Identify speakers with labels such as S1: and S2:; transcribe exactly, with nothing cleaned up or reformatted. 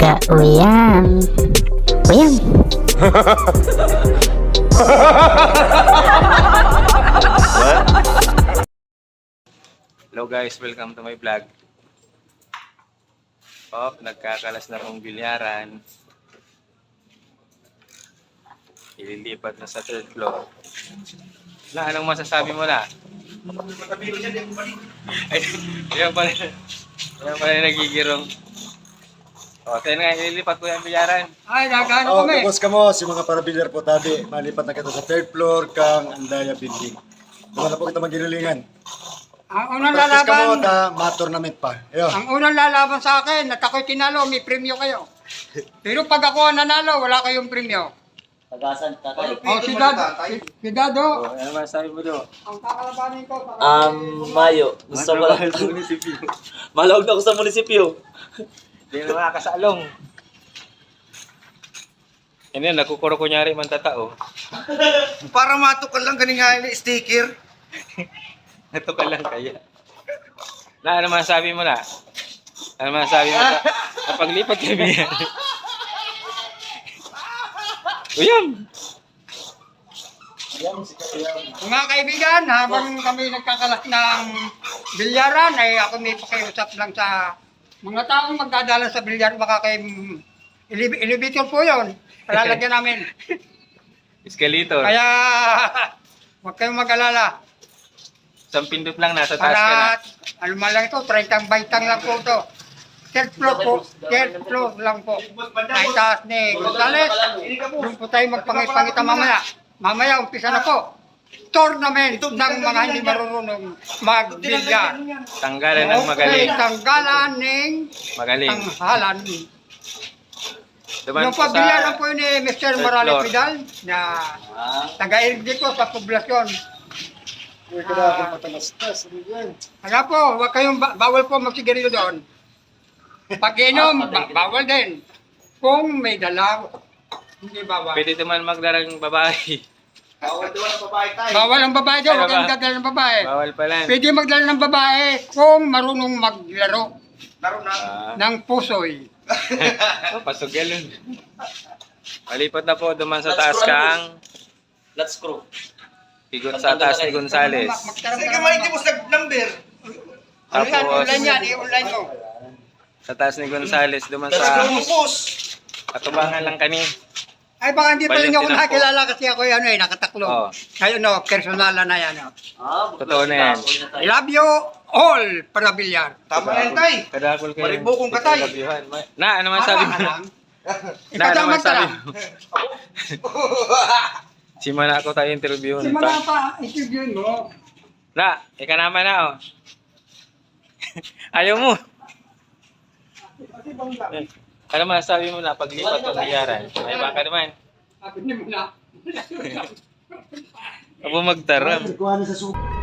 S1: Ka-uyam. Uyam.
S2: Hello guys, welcome to my vlog. Oh, nagkakalas na kong bilyaran. Ililipat na sa third floor. Na, anong masasabi mo na? Ay, yan pala. Yan pala yung nagigirong. O, tayo na nga, ililipat ko yung bilyaran.
S3: Ay, nagano
S4: Oh,
S3: kami.
S4: tapos ka mo, si mga parabilyar po tabi, malipat na kita sa third floor kang Andaya Building. Doon na po kita magililingan.
S3: Ang unang
S4: Practice ka mo,
S3: lalaban,
S4: ta, ma-tournament pa. Ayo.
S3: ang unang lalaban sa akin, at ako'y tinalo, may premyo kayo. Pero pag ako ang nanalo, wala kayong premyo.
S5: Tagasan, tatay.
S3: O, si Dad, si, si Dado,
S2: O, ano masasabi mo doon?
S3: ang kakalabanin ko. sa-
S5: Um, Mayo. Gusto ko lang.
S2: sa munisipyo.
S5: Malawag na ako sa munisipyo.
S2: Hindi na makakasalong. Yan yan, nakukuro kunyari man tatao.
S6: Para matukal lang ganing nga yung sticker.
S2: Ito ka lang kaya. Na, ano masasabi mo na? Ano masasabi mo na? Napaglipat kami yan. Uyam!
S3: Mga kaibigan, habang kami nagkakalas ng bilyaran, ay ako may pakiusap lang sa mga taong magdadala sa bilyar, baka kay elevator po yun. Palalagyan namin.
S2: Escalator.
S3: Kaya, huwag kayong mag-alala.
S2: Isang pindot lang, nasa taas ka na.
S3: Para, ano man lang ito, trentang baitang lang po ito. Third floor po, third floor lang po. Ay taas ni Gonzales. Doon po tayo magpangit-pangita mamaya. Mamaya, umpisa na po. Tournament ng mga hindi marunong magbilyar.
S2: Tanggalan ng magaling.
S3: Okay, tanggalan ng
S2: Magaling.
S3: tanghalan.
S2: Duman
S3: Yung
S2: po sa
S3: pabilyaran po ni Mister
S2: third
S3: Morales
S2: floor.
S3: Vidal na taga-irig dito sa poblasyon.
S4: Uy, kada akong patalastas. Ano yan?
S3: Kaya po, huwag kayong ba- bawal po magsigarilyo doon. Pag inom, ba- bawal din. Kung may dala, hindi bawal.
S2: Pwede naman magdarang babae.
S6: Bawal doon ang babae tayo.
S3: Bawal ang babae doon, huwag
S2: Ay,
S3: kayong
S2: baba.
S3: magdala ng babae.
S2: Bawal pala.
S3: Pwede magdala ng babae kung marunong maglaro
S6: Laro na.
S2: Ah,
S3: ng pusoy.
S2: oh, pasok yun. Malipat na po duman sa taas kang
S5: Let's screw.
S2: higot sa taas ni Gonzales.
S6: Sige ka maigi mo sa number.
S3: Ano yan,
S2: Tapos
S3: online yan, i-online mo.
S2: sa taas ni Gonzales duman
S6: Tapos
S2: sa
S6: lumupos.
S2: katubangan lang kani.
S3: Ay baka hindi pa rin ako
S2: Valentina po.
S3: nakilala kasi ako ano eh, nakataklo.
S2: Oo.
S3: Ayun no, personalan na yan. Oh.
S5: Ah,
S2: Totoo na yan.
S3: I love you all para bilyar.
S6: Tama na yun tay.
S2: Kadakol kayo.
S6: Maribukong katay.
S2: Labyuhan. Na, ano man sabi mo?
S3: Alam.
S2: Na, ano man
S3: Ikasama
S2: sabi
S3: ka.
S2: mo? Si Mana ako tayo interviewin.
S3: Si Mana pa, interviewin mo.
S2: Na, ika naman na oh. Ayaw mo. Eh, Ano man sabi mo na paglipat ng biyaran? Ay baka naman.
S3: Sabi niyo mo na.
S2: Abo magtaram.
S4: Kuha na sa suko.